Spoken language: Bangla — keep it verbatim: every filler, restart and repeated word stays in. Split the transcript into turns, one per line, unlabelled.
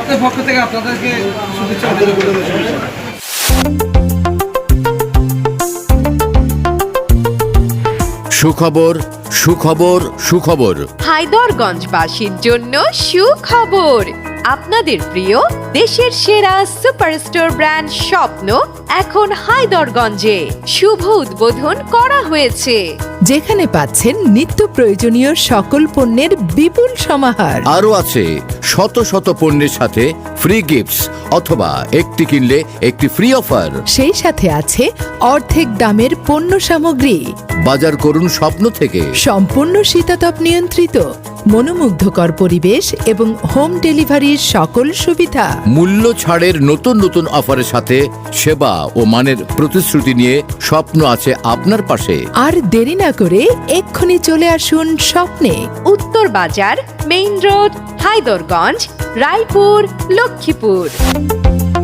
আপনার পক্ষ থেকে আপনাদেরকে শুভেচ্ছা।
সুখবর, সুখবর, সুখবর।
হায়দরগঞ্জবাসীর জন্য সুখবর। আপনাদের প্রিয় দেশের সেরা সুপারস্টোর ব্র্যান্ড স্বপ্ন এখন হায়দরগঞ্জে শুভ উদ্বোধন করা হয়েছে,
যেখানে পাচ্ছেন নিত্য প্রয়োজনীয় সকল পণ্যের বিপুল সমাহার।
আরও আছে শত শত পণ্যের সাথে ফ্রি গিফটস অথবা একটি কিনলে একটি ফ্রি অফার।
সেই সাথে আছে অর্ধেক দামের পণ্য সামগ্রী।
বাজার করুন স্বপ্ন থেকে।
সম্পূর্ণ শীতাতপ নিয়ন্ত্রিত, মনোমুগ্ধকর পরিবেশ এবং হোম ডেলিভারির সকল সুবিধা।
মূল্য ছাড়ের নতুন নতুন অফারের সাথে সেবা ও মানের প্রতিশ্রুতি নিয়ে স্বপ্ন আছে আপনার পাশে।
আর দেরি না করে এক্ষুনি চলে আসুন স্বপ্নে।
উত্তর বাজার, মেইন রোড, হায়দরগঞ্জ, রায়পুর, লক্ষ্মীপুর।